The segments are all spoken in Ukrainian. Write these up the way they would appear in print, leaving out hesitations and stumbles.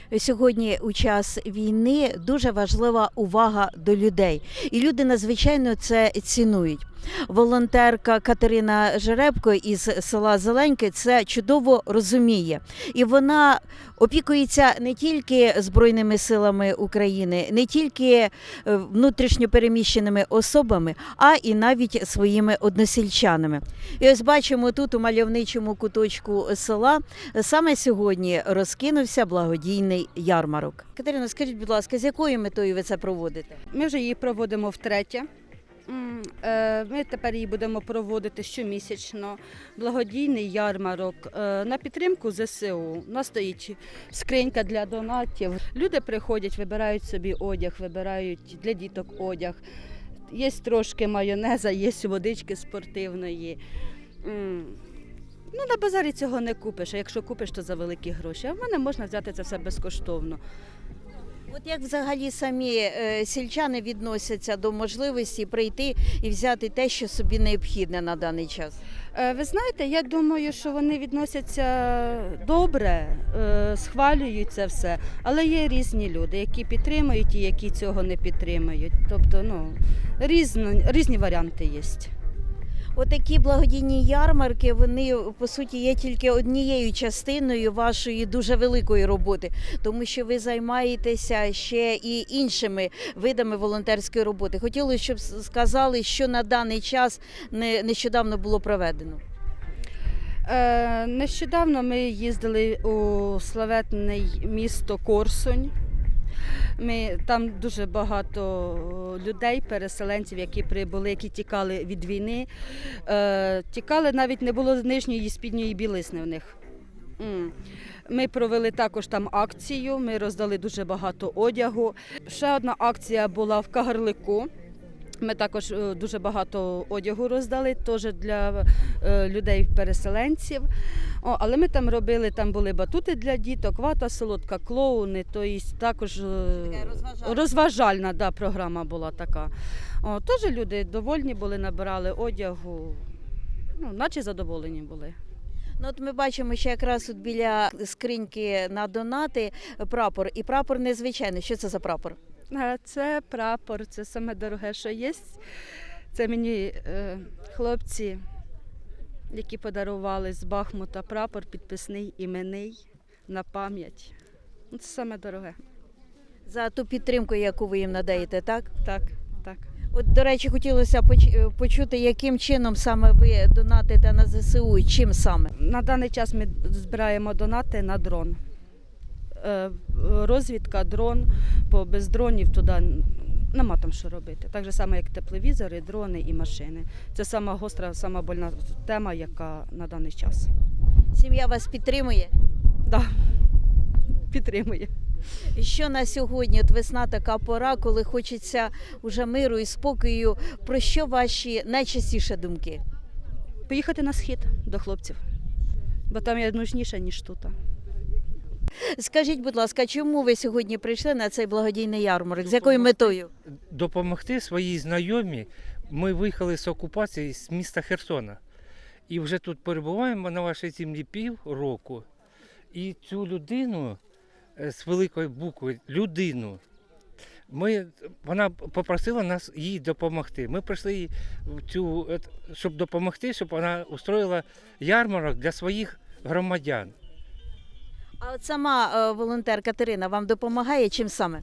Сьогодні у час війни дуже важлива увага до людей. І люди надзвичайно це цінують. Волонтерка Катерина Жеребко із села Зеленьке це чудово розуміє. І вона опікується не тільки Збройними силами України, не тільки внутрішньо переміщеними особами, а і навіть своїми односельчанами. І ось бачимо тут у мальовничому куточку села саме сьогодні розкинувся благодійний ярмарок. Катерина, скажіть, будь ласка, з якою метою ви це проводите? Ми вже її проводимо втретє. Ми тепер її будемо проводити щомісячно. Благодійний ярмарок на підтримку ЗСУ. У нас стоїть скринька для донатів. Люди приходять, вибирають собі одяг, вибирають для діток одяг. Є трошки майонеза, є водички спортивної. На базарі цього не купиш, а якщо купиш, то за великі гроші. А в мене можна взяти це все безкоштовно. От як взагалі самі сільчани відносяться до можливості прийти і взяти те, що собі необхідне на даний час? Ви знаєте, я думаю, що вони відносяться добре, схвалюють це все, але є різні люди, які підтримують і які цього не підтримують. Тобто, різні варіанти є. Отакі благодійні ярмарки, вони, по суті, є тільки однією частиною вашої дуже великої роботи, тому що ви займаєтеся ще і іншими видами волонтерської роботи. Хотілося, щоб сказали, що на даний час нещодавно було проведено. Нещодавно ми їздили у славетне місто Корсунь. Там дуже багато людей, переселенців, які прибули, які тікали від війни. Тікали, навіть не було нижньої спідньої білизни в них. Ми провели також там акцію, ми роздали дуже багато одягу. Ще одна акція була в Кагарлику. Ми також дуже багато одягу роздали, теж для людей-переселенців. Але ми там робили, там були батути для діток, вата солодка, клоуни, тобто також розважальна програма була така. Теж люди довольні були, набирали одягу, наче задоволені були. От ми бачимо, що якраз от біля скриньки на донати прапор, і прапор незвичайний. Що це за прапор? Це прапор, це саме дороге, що є. Це мені хлопці, які подарували з Бахмута прапор підписний, іменний, на пам'ять. Це саме дороге. За ту підтримку, яку ви їм надаєте, так? Так. От, до речі, хотілося почути, яким чином саме ви донатите на ЗСУ і чим саме? На даний час ми збираємо донати на дрон. Розвідка, дрон, бо без дронів туди нема там що робити. Так же само, як тепловізори, дрони і машини. Це сама гостра, сама больна тема, яка на даний час. Сім'я вас підтримує? Так, підтримує. Що на сьогодні, от весна така пора, коли хочеться уже миру і спокою, про що ваші найчастіші думки? Поїхати на схід до хлопців, бо там я нужніша, ніж тут. Скажіть, будь ласка, чому ви сьогодні прийшли на цей благодійний ярмарок? З якою метою? Допомогти своїй знайомій. Ми виїхали з окупації з міста Херсона. І вже тут перебуваємо на вашій землі півроку. І цю людину, з великої букви, людину, вона попросила нас їй допомогти. Ми прийшли щоб допомогти, щоб вона устроїла ярмарок для своїх громадян. А от сама волонтер Катерина вам допомагає чим саме?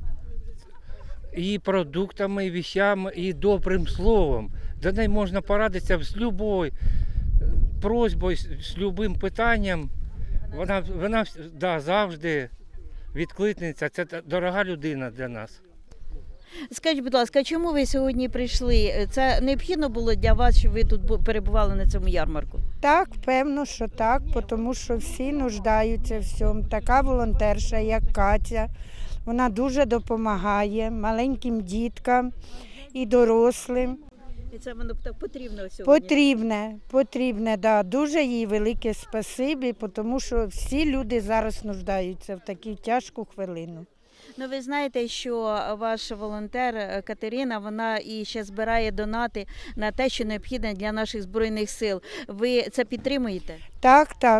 І продуктами, і вещами, і добрим словом. До неї можна порадитися з будь-якою просьбою, з будь-яким питанням. Вона завжди відкликнеться. Це дорога людина для нас. Скажіть, будь ласка, чому ви сьогодні прийшли? Це необхідно було для вас, щоб ви тут перебували на цьому ярмарку? Так, певно, що так, тому що всі нуждаються в цьому. Така волонтерша, як Катя, вона дуже допомагає маленьким діткам і дорослим. І це воно так потрібно сьогодні? Потрібне, да. Дуже їй велике спасибі, тому що всі люди зараз нуждаються в таку тяжку хвилину. Ви знаєте, що ваш волонтер Катерина, вона і ще збирає донати на те, що необхідне для наших Збройних сил. Ви це підтримуєте?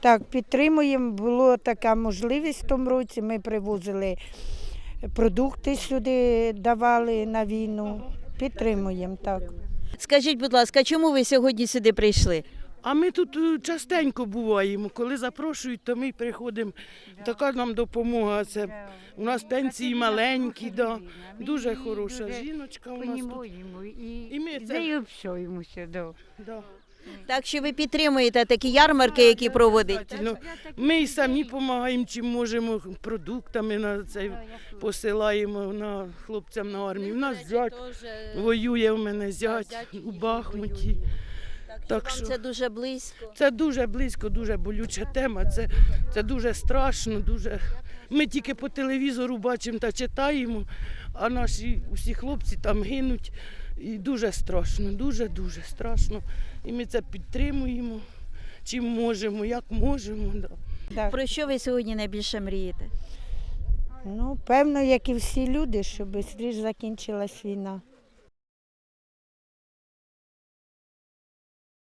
Так, підтримуємо. Була така можливість в тому році. Ми привозили продукти сюди, давали на війну. Підтримуємо, так. Скажіть, будь ласка, чому ви сьогодні сюди прийшли? А ми тут частенько буваємо. Коли запрошують, то ми приходимо. Така нам допомога. Це у нас пенсії маленькі, да. Дуже хороша жіночка у нас тут. Понімаємо І ми і це- з нею общаємося, да. Да. Так що ви підтримуєте такі ярмарки, які проводять? Ну, ми і самі допомагаємо, чим можемо, продуктами на це посилаємо на хлопцям на армію. У нас зять воює, у мене зять у Бахмуті. Так Вам що це дуже близько. це дуже близько, дуже болюча тема. Це дуже страшно. Дуже. Ми тільки по телевізору бачимо та читаємо, а наші усі хлопці там гинуть. І дуже страшно, дуже страшно. І ми це підтримуємо, чим можемо, як можемо. Да. Так. Про що ви сьогодні найбільше мрієте? Ну, певно, як і всі люди, щоб швидше закінчилась війна.